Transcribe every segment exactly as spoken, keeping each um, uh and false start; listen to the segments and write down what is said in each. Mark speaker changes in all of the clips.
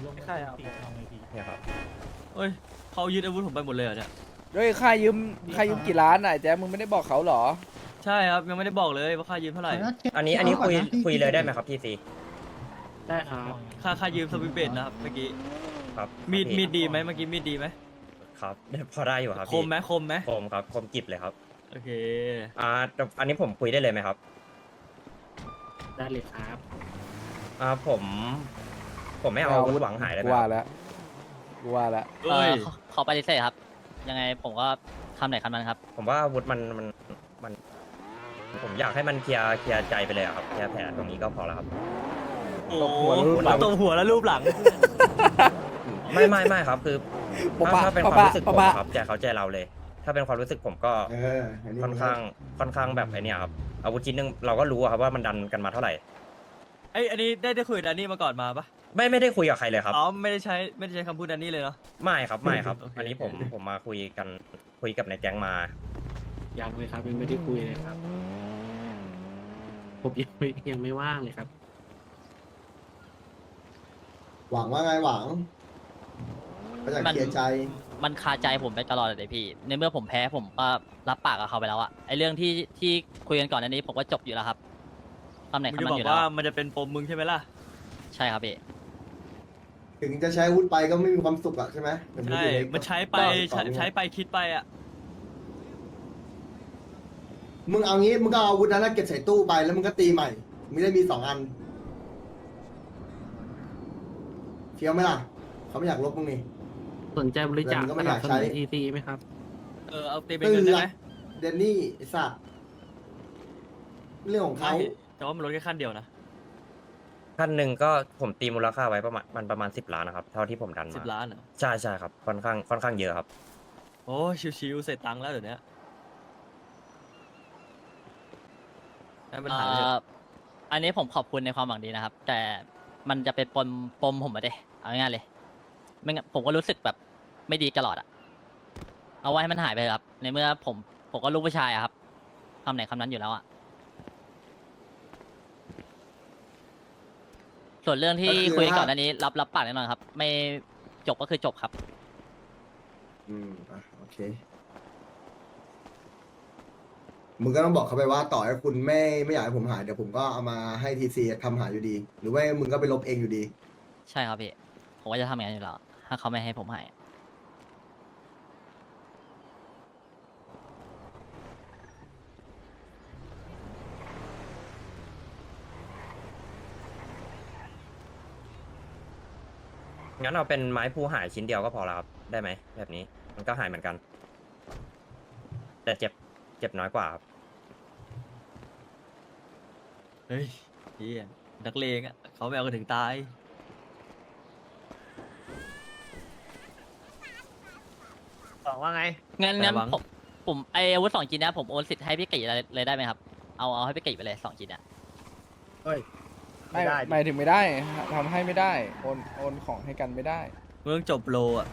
Speaker 1: ใช่ครับ
Speaker 2: เนี่ยครับ
Speaker 3: เฮ้ยเขายึดอาวุธผมไปหมดเลยเหรอเนี่ย
Speaker 4: เฮ้ยค่ายืมค่ายืมกี่ล้านอ่ะแจ๊คมึงไม่ได้บอกเขาเหรอ
Speaker 3: ใช่ครับยังไม่ได้บอกเลยว่าค่ายืมเท่าไหร่
Speaker 2: อันนี้อันนี้คุยคุยเลยได้ไหมครับพี่ซี
Speaker 1: ได้ครับ
Speaker 3: ค่าค่ายืมสวิตเบตนะครับเมื่อกี้
Speaker 2: ครับ
Speaker 3: มีด
Speaker 2: พี่
Speaker 3: มีดดีไหมเมื่อกี้มีดดีไหม
Speaker 2: ครับ พอได้อยู่ครับ
Speaker 3: ค
Speaker 2: พี่
Speaker 3: มไหมคมไหม
Speaker 2: คมครับคมกิบเลยครับ
Speaker 3: โอเค
Speaker 2: อ่าแต่อันนี้ผมคุยได้เลยไหมครับ
Speaker 1: ได้เลยครับ
Speaker 2: อ่าผม ผมไม่เอาอาวุธหวังหายได้ไหม
Speaker 4: กู
Speaker 2: ค
Speaker 4: ว่า
Speaker 2: รับ
Speaker 4: แล้วกูว่าแล้ว
Speaker 3: เอ้ย
Speaker 5: เอ่อขอขอปฏิเสธครับ ยังไงผมก็คำไหนคำนั้นครับ
Speaker 2: ผมว่าอาวุธมันมันมัน ผมอยากให้มันเคลียร์เคลียร์ใจไปเลยอะครับเคลียร์แผลตรงนี้ก็พอแล้วครับ
Speaker 3: โอ้
Speaker 4: ตบ
Speaker 3: โห
Speaker 4: หัวแล้วรูปหลัง
Speaker 3: ตบหัวแล้วรูปหลัง
Speaker 2: ไม่ไม่ไม่ครับ คือ
Speaker 4: ปะ
Speaker 2: ถ้า
Speaker 4: ปะ
Speaker 2: ถ้าเป็น
Speaker 4: ปะ
Speaker 2: ความ
Speaker 4: ปะ
Speaker 2: รู้สึกผม
Speaker 4: ปะปะ
Speaker 2: ครับใจเขาใจเราเลย ถ้าเป็นความรู้สึกผมก็
Speaker 6: เอออันนี้
Speaker 2: ค่อนข้างค่อนข้างแบบไอเนี้ยครับอาวุธชิ้นหนึงเราก็รู้อะครับว่ามันดันกันมาเท่าไหร่
Speaker 3: ไอยอันนี้ได้ได้คุยกับแดนนี่มาก่อนมาปะ
Speaker 2: ไม่ไม่ได้คุยกับใครเลยครับ
Speaker 3: อ๋อไม่ได้ใช้ไม่ได้ใช้คำพูดแดนนี่เลยเนาะ
Speaker 2: ไม่ครับไม่ครับ
Speaker 3: โอเค
Speaker 2: อันนี้ผมผมมาคุยกันคุยกับนายแก๊งมา
Speaker 1: ยังเลยครับยังไม่ได้คุยเลยครับ ผมยังไม่ยังไม่ว่างเลยครับ
Speaker 6: หวังว่าไงหวังก็อยาก
Speaker 5: มัน
Speaker 6: เคลียร์ใจ
Speaker 5: มันคาใจผมไปตลอดเลยพี่ ในเมื่อผมแพ้ผมก็รับปากกับเขาไปแล้วอะไอเรื่องที่ที่คุยกันก่อนอันนี้ผมก็จบอยู่แล้วครับคำไหน
Speaker 3: มึง
Speaker 5: คำ
Speaker 3: จะ
Speaker 5: นั้
Speaker 3: บอน
Speaker 5: อก ยู่แล้ว
Speaker 3: ว่ามันจะเป็นปมมึงใช่ไหมล่ะ
Speaker 5: ใช่ครับพี่
Speaker 6: ถึงจะใช้อาวุธไปก็ไม่มีความสุขอะใช่ไหม
Speaker 3: ใช่ มันใช้ไปใช้ใช้ไปคิดไปอ่ะ
Speaker 6: มึงเอางี้มึงก็เอาอาวุธนั้นนะเก็บใส่ตู้ไปแล้วมึงก็ตีใหม่ไม่ได้มีสองอันเฟี้ยวไหมล่ะเขาไม่อยากลบมึงนี่
Speaker 1: สนใจบริจาค
Speaker 6: เงินก็
Speaker 1: ส
Speaker 6: ไม่อ
Speaker 1: นั
Speaker 6: ยา
Speaker 1: บ
Speaker 6: ก
Speaker 1: ส
Speaker 6: ใช้
Speaker 1: นุนทีซีไหมครับ
Speaker 3: เออเอาตีเป็นเงินได้ไหม
Speaker 6: เดนนี่ไอ้สัตว์เรื่องของเขา
Speaker 3: ไม่แต่ว่ามันลดแค่ขั้นเดียวนะ
Speaker 2: ขั้นหนึ่งก็ผมตีมูลค่าไว้ประมาณมันประมาณสิบล้านนะครับ เท่าที่ผมดันมา
Speaker 3: สิบล้านเหรอ
Speaker 2: ใช่ใช่ครับค่อนข้างค่อนข้างเยอะครับ
Speaker 3: โอ้ชิวๆเสร็จตังค์แล้วเดี๋ยวนี้ให้มัน
Speaker 5: เอ่
Speaker 3: หายไปเถ
Speaker 5: อ
Speaker 3: อะ
Speaker 5: อันนี้ผมขอบคุณในความหวังดีนะครับ แต่มันจะเป็นปมปมผมมาเด้เอาง่ายๆเลยไม่งั้นผมก็รู้สึกแบบไม่ดีตลอดอะเอาไว้ให้มันหายไปเถอะครับ ในเมื่อผมผมก็ลูกผู้ชายอะครับคำไหนคำนั้นอยู่แล้วอะส่วนเรื่องที่คุยกันก่อนอันนี้ รับรับปากแน่นอนครับ ไม่จบก็คือจบครับ
Speaker 6: อืมอ่ะโอเคมึงก็ต้องบอกเขาไปว่าต่อให้คุณไม่ไม่อยากให้ผมหายเดี๋ยวผมก็เอามาให้ทีซีทำหายอยู่ดี หรือว่ามึงก็ไปลบเองอยู่ดี
Speaker 5: ใช่ครับพี่ ผมก็จะทำอย่างนั้นอยู่แล้ว ถ้าเขาไม่ให้ผมให้
Speaker 2: งั้นเอาเป็นไม้ภูหายชิ้นเดียวก็พอแล้วครับ ได้ไหมแบบนี้ มันก็หายเหมือนกัน แต่เจ็บเจ็บน้อยกว่าครับ
Speaker 3: เฮ้ยเฮียนักเลงอ่ะเขาไม่เอากันถึงตาย
Speaker 7: บอกว่าไง
Speaker 5: งั้นงั้น
Speaker 3: แต่หวัง
Speaker 5: ผมผมไออาวุธสองชิ้นเนะผมโอนสิทธิ์ให้พี่กิเลยเลยได้ไหมครับ เอาเอาให้พี่กิไปเลยสองชิ้นเนี่ย
Speaker 7: เฮ้ย
Speaker 4: ไม่
Speaker 7: ไม่ได้ดิ
Speaker 4: หมายถึงไม่ได้ทำให้ไม่ได้โอนโอนของให้กันไม่ได้
Speaker 3: เมืองจบโลอ่ะ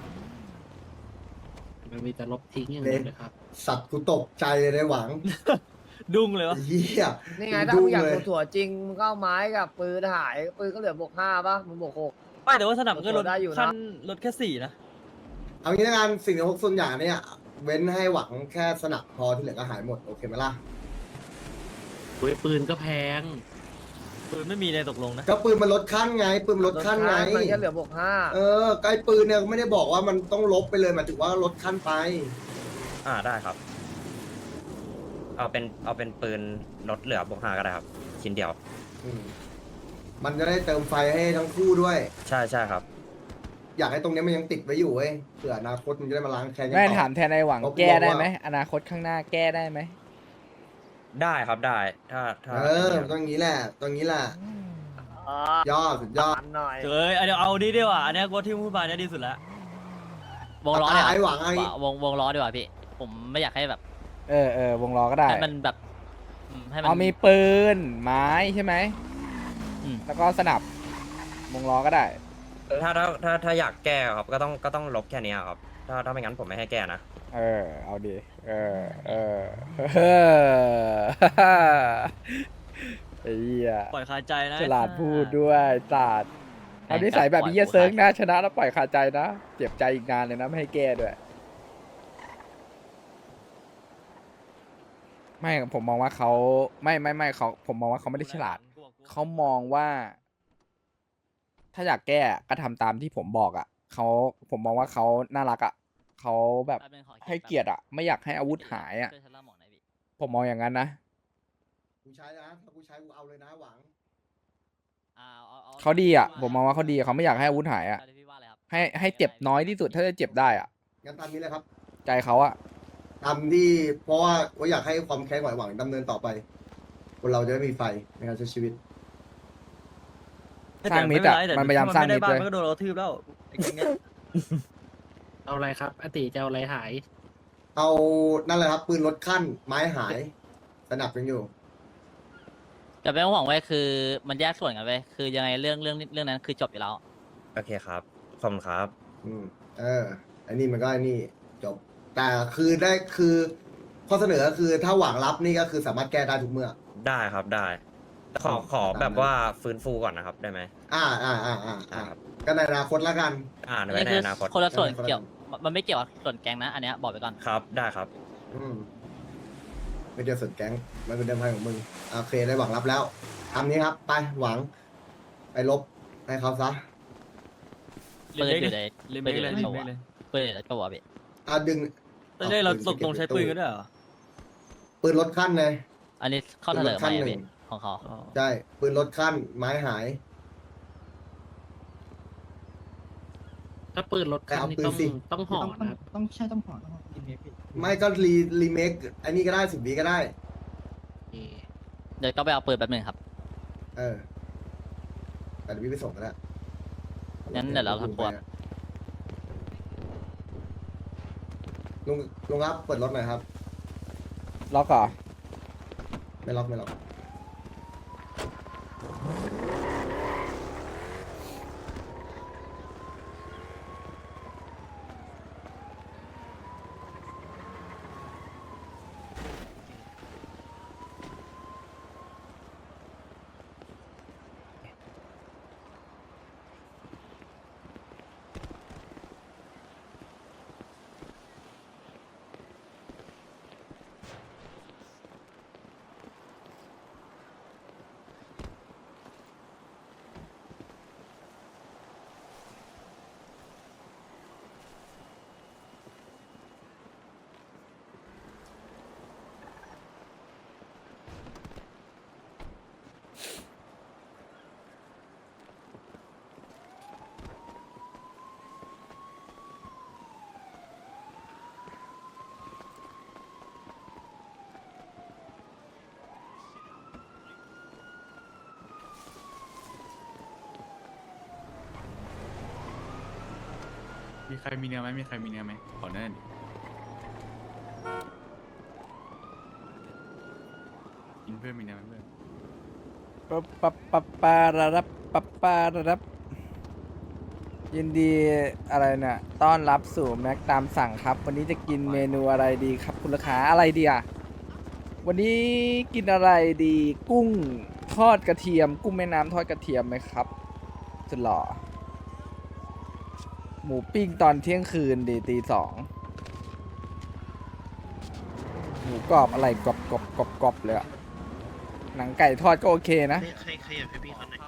Speaker 1: มันมีแต่ลบทิ้งอย่างเดียวเลยครับ
Speaker 6: สัตว์กูตกใจเลยนะหวัง
Speaker 3: ดุ้งเลยวะ
Speaker 6: เฮีย
Speaker 7: นี่ไงถ้ามึงอยากตัวถั่วจริงมึงก็เอาไม้กับปืนหายปืนก็เหลือบวกห้าป่ะมึงบวกหก
Speaker 3: ไม่แต่ว่าสนับก็ลด
Speaker 7: ได้อยู่นะ
Speaker 3: ขั้นลดแค่สี่นะ
Speaker 6: เอางี้ละกันสิ่งที่พกส่วนใหญ่เนี่ย เว้นให้หวังแค่สนับพอที่เหลือก็หายหมด โอเคไหมล่ะ
Speaker 1: โอ้ยปืนก็แพง
Speaker 3: ปืนไม่มีในตกลงนะ
Speaker 6: ก็ปืนมันลดขั้นไง ปืนมันลดขั้นไง
Speaker 7: มันแค่เหลือบวกห้า
Speaker 6: เออไกลปืนเนี่ยไม่ได้บอกว่ามันต้องลบไปเลยหมายถึงว่าลดขั้นไป
Speaker 2: อ่าได้ครับ เอาเป็นเอาเป็นปืนลดเหลือบวกห้าก็ได้ครับ ชิ้นเดียว
Speaker 6: อืมมันจะได้เติมไฟให้ทั้งคู่ด้วย
Speaker 2: ใช่ใช่ครับ
Speaker 6: อยากให้ตรงเนี้ยมันยังติดไว้อยู่เว้ยเผื่ออนาคตมันจะได้มาล้างแค้นกัน
Speaker 4: แม่
Speaker 6: ต่อ
Speaker 4: ถามแทนไอ้หวัง
Speaker 6: เพราะ
Speaker 4: แก้ได้
Speaker 6: บอกว่า
Speaker 4: ไหมอนาคตข้างหน้าแก้ได้ไหม
Speaker 2: ได้ครับได้ ถ้าถ้า
Speaker 6: เออตรงนี้แหละตรงนี้แหละ
Speaker 7: อ๋อย
Speaker 6: อดสุดยอด
Speaker 7: ตันหน่อย
Speaker 3: เอ้ยเดี๋ยวเอานี้ดีกว่าอันเนี้ยกูที่พูดมาเนี่ยดีสุดแล้ว
Speaker 5: วงล้อเนี่ย
Speaker 6: ไอ้หวังไอ้
Speaker 5: วงวงล้อดีกว่าพี่ ผมไม่อยากให้แบบ
Speaker 4: เออเออวงล้อก็ได้
Speaker 5: ให้มันแบบอืมให้มัน
Speaker 4: เอามีปืนไม้ใช่ไหม
Speaker 5: อืม
Speaker 4: แล้วก็สนับวงล้อก็ได้
Speaker 2: ถ้าถ้าถ้าถ้าอยากแก้ครับ ก็ต้องก็ต้องลบแค่เนี้ยครับ ถ้าถ้าไม่งั้นผมไม่ให้แก้นะ
Speaker 4: เออ เอาดิ เออ เออเออไอ้เหี้ย
Speaker 3: ปล่อยคาใจนะ
Speaker 4: ฉลาดพูดด้วยศาสตร์เอานิสัยแบบนี้เหี้ยเซิร์กนะชนะแล้วปล่อยคาใจนะเจ็บใจอีกนานเลยนะไม่ให้แก้ด้วยไม่ผมมองว่าเขาไม่ไม่ไม่เขาผมมองว่าเขาไม่ได้ฉลาดเขามองว่า ถ้าอยากแก้ก็ทำตามที่ผมบอกอ่ะเขาผมมองว่าเขาน่ารักอ่ะเขาแบบให้เกียรติอ่ะไม่อยากให้อาวุธหายอ่ะ
Speaker 5: ช่วยฉันเล่าหมองหน่อยพี่
Speaker 4: ผมมองอย่างนั้นนะ
Speaker 6: กูใช้นะถ้ากูใช้กูเอาเลยนะหวัง
Speaker 5: อ่าเอาเอา
Speaker 4: เขาดีอ่ะผมมองว่าเขาดีเขาไม่อยากให้อาวุธหายอ่ะ
Speaker 5: เอาที่พี่ว่าเลยครับ
Speaker 4: ให้ให้เจ็บน้อยที่สุดถ้าจะเจ็บได้อ่ะ
Speaker 6: งั้นตามนี้เลยครับ
Speaker 4: ใจเขาอ่ะ
Speaker 6: ตามที่เพราะว่าว่าอยากให้ความแค้นของไอ้หวังดำเนินต่อไปคนเราจะไม่มีไฟในการใช้ชีวิต
Speaker 4: สร้างมิตรอะมันพยายามสร้างมิตร
Speaker 3: เล
Speaker 4: เลย ย
Speaker 3: มันก็โดนเราทืบแล้วไอ้แก๊งเนี้ย
Speaker 1: เอาอะไรครับอติจะเอาอะไรหาย
Speaker 6: เอานั่นแหละครับปืนลดขั้นไม้หายสนับยังอยู่
Speaker 5: แต่ไม่ต้องห่วงไว้ยคือมันแยกส่วนกันไว้ยคือยังไงเรื่องเรื่องเรื่องนั้นคือจบอยู่แล้ว
Speaker 2: โอเคครับขอบคุณครับ
Speaker 6: อืมเอออันนี้มันก็ไอันนี้จบ แต่คือได้คือข้อเสนอก็คือถ้าหวังรับนี่ก็คือสามารถแก้ได้ทุกเมื่อ
Speaker 2: ได้ครับได้ขอขอแบบว่าฟื้นฟูก่อนนะครับได้ไหม
Speaker 6: อ่าอ่าอ่าอ่า
Speaker 2: อ่า
Speaker 6: อ่า
Speaker 2: ครับ
Speaker 6: ก็ในอนาคตแล้วกัน
Speaker 2: อ่าน
Speaker 5: อัน
Speaker 2: ไว้
Speaker 5: นี้
Speaker 2: ใน
Speaker 5: คือ
Speaker 2: อนาคต
Speaker 5: คนละส่วน
Speaker 6: คนละ
Speaker 5: เกี่ยวมันมันไม่เกี่ยวกับส่วนแก๊งนะ อันเนี้ยบอกไปก่อน
Speaker 2: ครับได้ครับ
Speaker 6: อืมไม่เดียวสนแก๊งไม่เป็นเดิมพันของมึงโอเคได้หวังรับแล้วทำนี้ครับ ไปหวัง ไปลบให้เขาซะ
Speaker 5: ปืนอยู่ใน
Speaker 3: ลืม
Speaker 5: ปื
Speaker 3: ไป
Speaker 5: นอยู่
Speaker 3: เลย
Speaker 5: ใน
Speaker 3: ลื
Speaker 5: ตั
Speaker 3: ม
Speaker 5: ว
Speaker 3: ไปเลย
Speaker 5: ปืนอยู่ในตัวพี่
Speaker 6: อ่ะดึง
Speaker 3: ตอนแรกเราตกลงใช้ปืนกันด้วยเหรอ
Speaker 6: ปืนลดขั้นเลย
Speaker 5: อันนี้ข้อเสนอ
Speaker 6: ขั้
Speaker 5: ให
Speaker 6: น
Speaker 5: ม่
Speaker 6: หนึ่
Speaker 5: พี่
Speaker 6: ง
Speaker 5: ของเขา
Speaker 3: อ๋อ
Speaker 6: ใช่ปืนลดขั้น ไม้หาย
Speaker 1: ถ้าปืนลดคันนี่
Speaker 6: แต่
Speaker 1: ต้
Speaker 6: เอา
Speaker 1: อง
Speaker 6: ปืนสิ
Speaker 1: ต้องห่อ
Speaker 8: ต้อง
Speaker 1: นะครับ
Speaker 8: ต้องใช่ต้องห่อต้องห่อกินเมพี่
Speaker 6: ไม่ก็รีรีเมคอันนี้ก็ได้สิบวีก็ได้
Speaker 1: โอเค
Speaker 5: เดี๋ยวก็ไปเอาปืนแป๊บหนึงครับ
Speaker 6: เออ แต่เดี๋ยวพี่ไปส่งก็ได้
Speaker 5: งั้นเดี๋ยวเราทำตัว
Speaker 6: ลุงลุงครับเปิดรถหน่อยครับ
Speaker 4: ล็อกเหรอ
Speaker 6: ไม่ล็อกไม่ล็อก
Speaker 9: มีใครมีเนื้อไหมมีใครมีเนื้อไหมขอเนื้อดิกินเพื่อนมีเนื้อไหมเพื่อน
Speaker 4: ปะปะปะปาระรับปะปาระรับยินดีอะไรเนี่ยต้อนรับสู่แม็กตามสั่งครับ วันนี้จะกินเมนูอะไรดีครับคุณลูกค้าอะไรดีอ่ะวันนี้กินอะไรดี กุ้งทอดกระเทียม กุ้งแม่น้ำทอดกระเทียมไหมครับสุดหล่อหมูปิ้งตอนเที่ยงคืนดีตีสองหมูกรอบอะไรกรอบกรอบกรอบกรอบเลยอะหนังไก่ทอดก็โอเคนะ
Speaker 1: ใครใครอยากให้พี่เขาหน่อย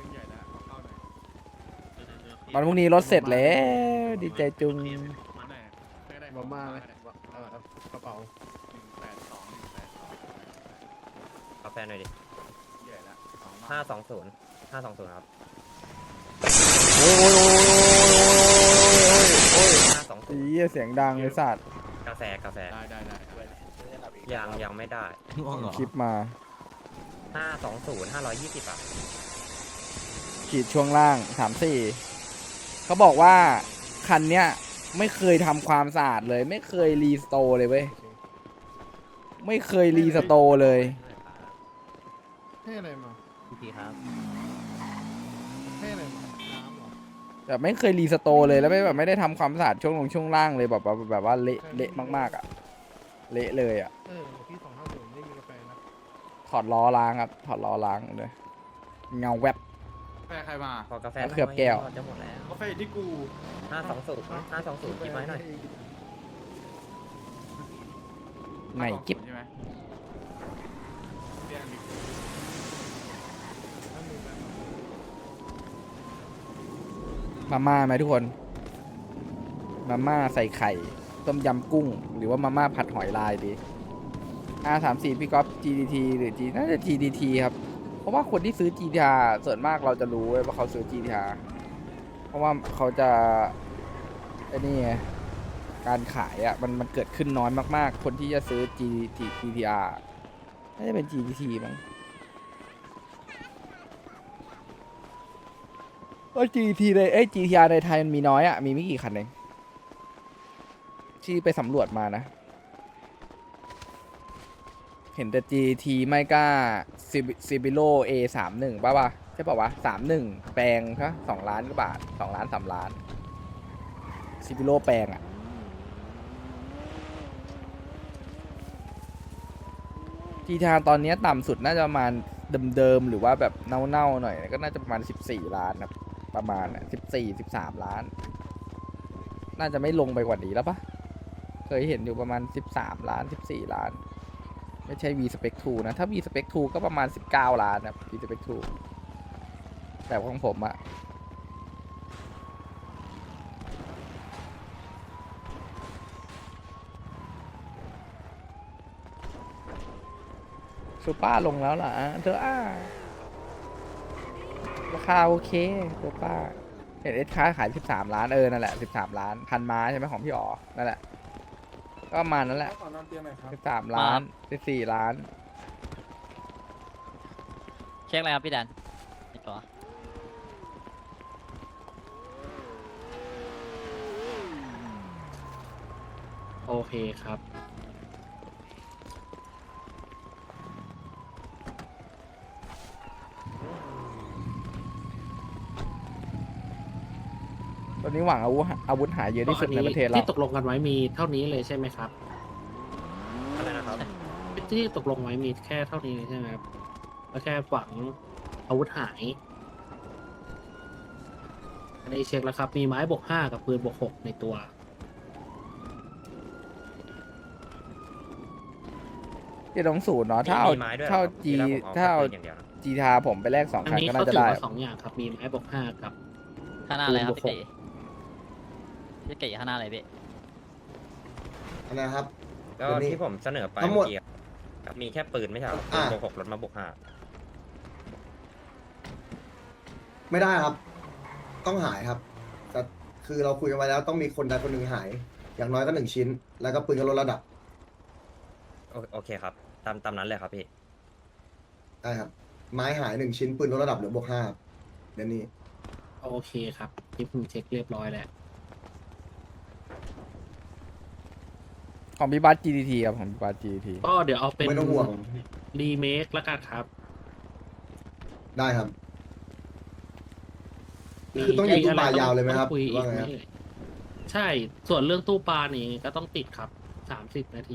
Speaker 4: วันพรุ่งนี้รถเสร็จแล้วดีใจจุง
Speaker 9: มาม่าเลยกระเป๋าหนึ่งแปดสองหนึ่งแปดสอง
Speaker 2: กาแฟหน่อยดิ
Speaker 9: ใหญ่ละสองบาท
Speaker 2: ห้าสองศูนย์ห้าสองศูนย์ครับ
Speaker 4: โอ้ยโอ้ยโอ้ยโอ้ยโอ้ยโอ้ย
Speaker 2: ห้าสองศูนย์
Speaker 4: เหี้ยเสียงดังเลยสัตว์
Speaker 2: กาแฟกาแฟ
Speaker 9: ได้ได้ได้ได้
Speaker 2: ยังยังไม่ได้
Speaker 3: ง่วงเหรอ
Speaker 4: คลิปมา
Speaker 2: ห้าสองศูนย์ห้าร้อยยี่สิบอ่ะ
Speaker 4: ขีดช่วงล่างสามสี่เขาบอกว่า คันเนี้ยไม่เคยทำความสะอาดเลย ไม่เคยรีสโตร์เลยเว้ย ไม่เคยรีสโตร์เลย
Speaker 8: ให้อะไรมา
Speaker 5: พี่ครับ
Speaker 8: ให้อะไรมาน้ำเหรอ
Speaker 4: แบบไม่เคยรีสโตร์เลยแล้วไม่แบบไม่ได้ทำความสะอาดช่วงลงช่วงล่างเลยแบบแบบแบบว่าเละเละมากๆอ่ะ เละเลยอ่ะ
Speaker 8: เออพี่สองห้าศูนย์ไม่มีกาแฟนะ
Speaker 4: ถอดล้อล้างครับ ถอดล้อล้างเลยเงาแวบ
Speaker 8: อ
Speaker 9: ฟใครมา
Speaker 2: พอกาแฟ
Speaker 4: มะเขือแก้ว
Speaker 2: จะหมดแล้ว
Speaker 9: กาแฟที่กู
Speaker 2: ห้าสองศูนย์ห้าสองศูนย์คิดไว้หน่อย
Speaker 4: ใหม่กิ๊บ
Speaker 9: ใช่ไหมเรียกดิ
Speaker 4: มาม่าไหมทุกคน มาม่าใส่ไข่ ต้มยำกุ้ง หรือว่ามาม่าผัดหอยลายดี อาร์ สามสี่ พี่ก๊อฟ จี ดี ที หรือ G น่าจะ จี ดี ที ครับ เพราะว่าคนที่ซื้อ จี ที อาร์ ส่วนมากเราจะรู้เว้ยว่าเขาซื้อ จี ที อาร์ เพราะว่าเขาจะไอ้นี่ไงการขายอ่ะมันมันเกิดขึ้นน้อยมากๆ คนที่จะซื้อ G ที จี ที อาร์ น่าจะเป็น จี ดี ที มั้งเอ้ย จี ที ในเอ้ย จี ที อาร์ ในไทยมันมีน้อยอ่ะ มีไม่กี่คันเองที่ไปสำรวจมานะ เห็นแต่ จี ที ไม่กล้า ซิบิโล เอ สามสิบเอ็ด ป่ะวะใช่ป่ะวะ สามสิบเอ็ด แปลงครับสองล้านกว่าบาทสองล้านสามล้าน ซิบิโลแปลงอ่ะ จีที อาร์ ตอนนี้ต่ำสุดน่าจะประมาณเดิมๆ หรือว่าแบบเน่าๆ หน่อย ก็น่าจะประมาณ สิบสี่ ล้านครับประมาณอ่ะสิบสี่ สิบสาม ล้าน น่าจะไม่ลงไปกว่านี้แล้วปะเคยเห็นอยู่ประมาณ สิบสาม ล้าน สิบสี่ ล้าน ไม่ใช่ V Spec ทู นะ ถ้า V Spec ทู ก็ประมาณ สิบเก้า ล้านครับ V Spec ทู แต่ของผมอะซูเปอร์ลงแล้วเหรอเธออ่าราคาโอเคซูเปอร์เห็นเอสค้าขาย สิบสาม ล้าน เออ นั่นแหละ สิบสาม ล้าน พันม้าใช่ไหมของพี่อ๋อ นั่นแหละ ก็ประมาณนั้นแหละ
Speaker 8: ขอนอนเตียงหน่อยครับ
Speaker 4: สิบสาม ล้าน สิบสี่ ล้าน
Speaker 5: เช็คอะไรครับพี่แดนอีกตัว
Speaker 1: โอเคครับ
Speaker 4: ตอนนี้หวังอาวุธอาวุธหายเยอะที่สุดในประเทศเรา
Speaker 1: ที่ตกลงกันไว้มีเท่านี้เลยใช่ไหมครับ
Speaker 2: อะไรนะครับ
Speaker 1: ที่ตกลงไว้มีแค่เท่านี้เลยใช่ไหมครับแล้วแค่หวังอาวุธหาย อันนี้เช็คแล้วครับ มีไม้บวกห้ากับปืนบวกหกในตัว
Speaker 4: เจ็ดสองศูนย์เนาะถ้าเอา
Speaker 2: มีไม้ด้วยเหรอ
Speaker 4: ถ้าเอา
Speaker 2: ครับ
Speaker 4: จี
Speaker 2: ที่แรกผมเอา
Speaker 4: ถ้าเอา
Speaker 2: แค่ปืนอย่างเดียวนะ
Speaker 4: จีทาผมไปแลกสอง
Speaker 1: อัน
Speaker 4: คัน
Speaker 1: นี้
Speaker 4: ก็
Speaker 1: เขา
Speaker 4: น่าจะ
Speaker 1: ถือ
Speaker 4: ได้
Speaker 1: ว่าสองอย่างครับ มีไม้บวกห้ากับ
Speaker 5: ข้างหน้าเลยครับ
Speaker 1: ปืนบวก
Speaker 5: พี่
Speaker 1: หก
Speaker 5: ตีพี่เก๋ข้างหน้าเลยพี่
Speaker 6: อันนะครับ
Speaker 2: ก็
Speaker 6: ตัวนี้
Speaker 2: ที่ผมเสนอไป
Speaker 6: ทั้งหมด
Speaker 2: เมื่อกี้ครับมีแค่ปืนไม่ใช่เหรอปื
Speaker 6: อ่า
Speaker 2: นบวกหกรถมาบวกห้า
Speaker 6: ไม่ได้ครับ ต้องหายครับแต่คือเราคุยกันไว้แล้วต้องมีคนใดคนหนึ่งหาย อย่างน้อยก็หนึ่งชิ้น แล้วก็ปืนก็ลดระดับ
Speaker 2: โอโอเคครับ ตามตามนั้นเลยครับพี่
Speaker 6: ได้ครับ ไม้หายหนึ่งชิ้นปืนลดระดับเหลือบวกห้าครับเดี๋ยวนี้
Speaker 1: โอเคครับที่ผมเช็คเรียบร้อยแล้ว
Speaker 4: ของพี่บัส จี ดี ที ครับของพี่บัส จี ดี ที
Speaker 1: ก็เดี๋ยวเอาเป็น
Speaker 6: ไม่ต้องห่วง
Speaker 1: รีเมคแล้วกันครับ
Speaker 6: ได้ครับ คือต้องอยู่ตู้ปลายาวเลยไหมครับ
Speaker 1: ต้องคุย
Speaker 6: หรือ
Speaker 1: อี
Speaker 6: ว่าก ไง
Speaker 1: ไหม
Speaker 6: ครับ
Speaker 1: เอ่ยใช่ ส่วนเรื่องตู้ปลานี่ก็ต้องติดครับ สามสิบนาที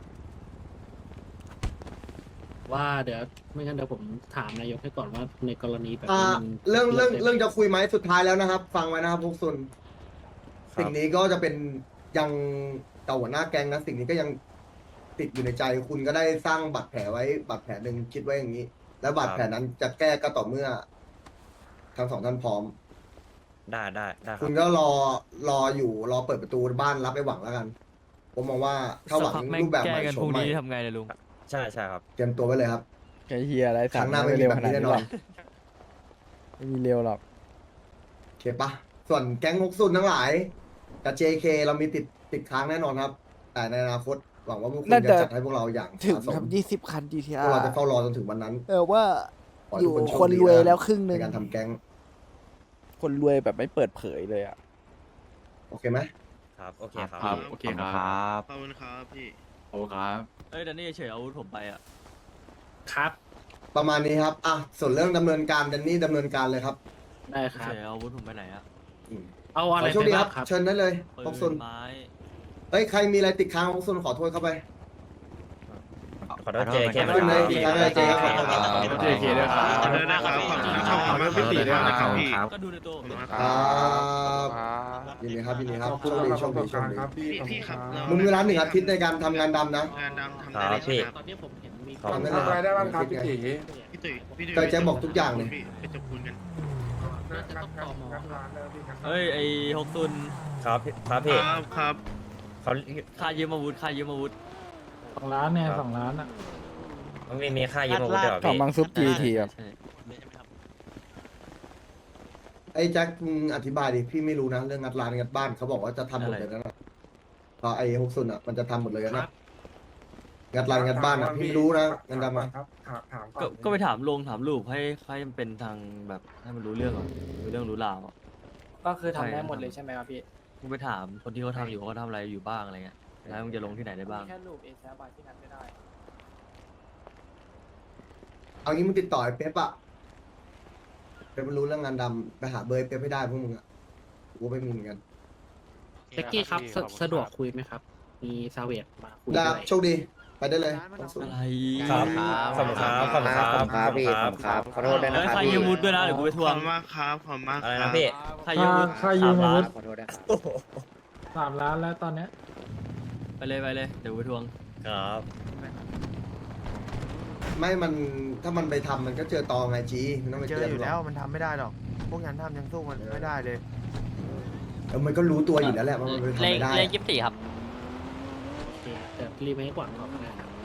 Speaker 1: ว่าเดี๋ยวไม่งั้นเดี๋ยวผมถามนายกให้ก่อนว่าในกรณีแบบ
Speaker 6: อ่า
Speaker 1: นี้มัน
Speaker 6: เรื่องเรื่อง
Speaker 1: ได้ไหม
Speaker 6: เรื่องจะคุยไหมสุดท้ายแล้วนะครับ ฟังไว้นะครับพวกซุน
Speaker 2: ครับ
Speaker 6: สิ่งนี้ก็จะเป็นยังเก่าหัวหน้าแก๊งนะสิ่งนี้ก็ยังติดอยู่ในใจคุณก็ได้สร้างบาดแผลไว้บาดแผลหนึ่งคิดไว้อย่างนี้ แล้วบาดแผลนั้นจะแก้ก็ต่อเมื่อทั้งสองท่านพร้อม
Speaker 2: ได้ได้ได้ค
Speaker 6: คุ
Speaker 2: รับ
Speaker 6: ณก็รอรออยู่รอเปิดประตูบ้านรับไอ้หวังแล้วกัน ผมมองว่าถ้าหวังรูปแบบใหม่โฉมใหม่
Speaker 3: ทำไงเลยลุง
Speaker 2: ใช่ใช่ครับ
Speaker 6: เตรียมตัวไว้เลยครับ
Speaker 4: ไอ้เฮียอะไร
Speaker 6: ครั้งหน้าไม่มี
Speaker 4: เร็ว
Speaker 6: แบ
Speaker 4: ข
Speaker 6: บ
Speaker 4: นาด
Speaker 6: นี้แน่
Speaker 4: นี้
Speaker 6: น
Speaker 4: ห
Speaker 6: อ
Speaker 4: รอน กไม่มีเร็วหรอก
Speaker 6: โอเคปะส่วนแก๊งฮกซุนทั้งหลายกับ เจ เค เรามีติดติดค้างแน่นอนครับ แต่ในอนาคตหวังว่าพวกคุณ
Speaker 4: น่า
Speaker 6: จะ
Speaker 4: จะ
Speaker 6: จัดให้พวกเราอย่าง
Speaker 4: ถึง
Speaker 6: สะส
Speaker 4: ครั
Speaker 6: ม
Speaker 4: บยี่สิบคัน จี ที
Speaker 6: พ
Speaker 4: อา
Speaker 6: วกเรา
Speaker 4: ร์
Speaker 6: จะเฝ้ารอจนถึงวันนั้น
Speaker 4: เออว่า
Speaker 6: ขอ
Speaker 4: อ
Speaker 6: ให้ทุ
Speaker 4: ยู่
Speaker 6: กคนโช
Speaker 4: คน
Speaker 6: ดี
Speaker 4: รวย
Speaker 6: ะ
Speaker 4: แล้วครึ่งห
Speaker 6: ใน
Speaker 4: นึ่ง
Speaker 6: การทำแก๊ง
Speaker 4: คนรวยแบบไม่เปิดเผยเลยอ่ะ
Speaker 6: โอเคไหม
Speaker 2: ครับ โอเคครับ
Speaker 9: ครับ
Speaker 2: พี่
Speaker 9: โอเคครับ
Speaker 8: ขอบคุณครับพี่
Speaker 9: โอ้ครับ
Speaker 3: เอ้ยแดนนี่เฉยอาวุธผมไปอ่ะ
Speaker 1: ครับ
Speaker 6: ประมาณนี้ครับอ่ะส่วนเรื่องดำเนินการเดนนี่ดำเนินการเลยครับ
Speaker 1: ได้ค
Speaker 3: เฉ
Speaker 1: รับ
Speaker 3: ยอาวุธผมไปไหนอ่ะ
Speaker 6: อืม
Speaker 1: เอา
Speaker 6: ข
Speaker 1: อะไร
Speaker 6: อโชค
Speaker 1: ไป
Speaker 6: ดีค
Speaker 1: บ้า
Speaker 6: รับ
Speaker 1: งครับ
Speaker 6: เชิญได้เลย
Speaker 3: ปื
Speaker 6: ฮกซุน
Speaker 3: นไม้
Speaker 6: เฮ้ยใครมีอะไรติดค้างฮกซุนขอโทษเข้าไป
Speaker 2: ขอโทษเจเค
Speaker 6: ขอบคุณนะอีกครั้งนะเจครับขอบคุณครับ
Speaker 9: เจเคด้วยครับขอโทษนะครับขอบคุณนะครับขอบคุณพี่ตีด้วยนะครับพี่
Speaker 3: ก็ดูในตัวผม
Speaker 6: ครับยินดีครับยินดีครับโชคดีโชคดีโชคดี
Speaker 9: พี่พี่ครับ
Speaker 6: มึงมีเวลาหนึ่งอาทิตย์ในการทำงานดำนะ
Speaker 9: งานดำทำได้เลยใช่ไหมครับ
Speaker 1: ตอนนี้ผมเห็นมี
Speaker 2: ขอบคุณ
Speaker 6: ทำได้เลย
Speaker 8: ได้บ้างครับพี่ตี
Speaker 9: พี่ตุ๋ยพี่ตุ๋ย
Speaker 6: ก็แจ็คบอกทุกอย่างเลย
Speaker 9: พี่ไปจับคุณกัน
Speaker 1: น่าจะต้องตอมอ
Speaker 3: เฮ้ยไอหกซุน
Speaker 2: ครับพี่ครับพี่
Speaker 9: ครับครับ
Speaker 2: เขา
Speaker 3: ค่ายืมอาวุธค่ายืมอาวุธ
Speaker 1: สองล้านเนี่ยสองล้านอ่ะ
Speaker 2: มันมีมีค่ายืมอาวุธด้วยเหรอ
Speaker 4: ของ
Speaker 2: พี่
Speaker 4: บางซุปจีทีครับ
Speaker 3: ใช่
Speaker 6: ไอ้แจ็คมึงอธิบายดิพี่ไม่รู้นะเรื่องงัดร้านงัดบ้านเขาบอกว่าจะทำหมดเลยนะพอไอ้ฮกซุนอ่ะมันจะทำหมดเลยนะงัดร้านงัดบ้านอ่ะพี่ไม่รู้นะงันดำอ่ะ
Speaker 3: ก็ก็ไปถามลงถามลูกให้ให้มันเป็นทางแบบให้มันรู้เรื่องอ่ะรู้เรื่องรู้ราวอ่ะ
Speaker 1: ก็คือทำได้หมดเลยใช่ไหมครับพี่
Speaker 3: มึงไปถามคนที่เขาทำอยู่เขาทำอะไรอยู่บ้างอะไรเงี้ยแล้วมึงจะลงที่ไหนได้บ้าง
Speaker 1: แค่ลูกเอแซบาที่นั้นไม่ได้
Speaker 6: เอางี้มึงติดต่อไอ้เป๊ปอ่ะเป๊ปมันรู้เรื่องงานดำไปหาเบอร์ไอ้เป๊ปให้ได้พวกมึงอ่ะกูไม่มีเหมือนกัน
Speaker 1: เซ็กกี้ครับสะสะดวกคุยไหมครับ มีซาเวตมาคุย
Speaker 6: ได้
Speaker 1: ด้วย
Speaker 6: โชคดีไปได้เลย
Speaker 3: อะไร
Speaker 2: ครับขอบคุณครับขอบคุณครับขอบคุณครับ
Speaker 3: ขอโทษด้วยนะครับค่ายืมอาวุธด้วยนะเดี๋ยวกูไปทว
Speaker 9: ของ บคุณมากครับขอบคุณมาก
Speaker 2: อะไร
Speaker 9: ครั
Speaker 2: นะ
Speaker 9: บ
Speaker 2: พี่
Speaker 3: ค่ายืมอาวุธ
Speaker 1: ค่ายืมอาวุธ
Speaker 3: สามล้าน
Speaker 1: สามล้านแล้วตอนเนี้ย
Speaker 3: ไปเลยไปเลยเดี๋ยวกูไปทวง
Speaker 2: ครับ
Speaker 6: ไม่มันถ้ามันไปทำมันก็เจอตอไงจีมันต้องไป
Speaker 8: เจ
Speaker 6: เจ
Speaker 8: อ
Speaker 6: อ
Speaker 8: อยู่
Speaker 6: หร
Speaker 8: แล้
Speaker 6: อ
Speaker 8: วมันทำไม่ได้หรอก พวกนั้นทำยังสู้มันไม่ได้เลย
Speaker 6: เออมันก็รู้ตัวอยู่แล้วแหละว่ามันไปทำ
Speaker 5: เลข
Speaker 6: ไม่ได้
Speaker 5: เลข
Speaker 6: อะ
Speaker 5: ยี่สิบสี่ครับ
Speaker 1: โอเคเดี๋ยวรีเมคก่อนก่อนก็ได้ครับ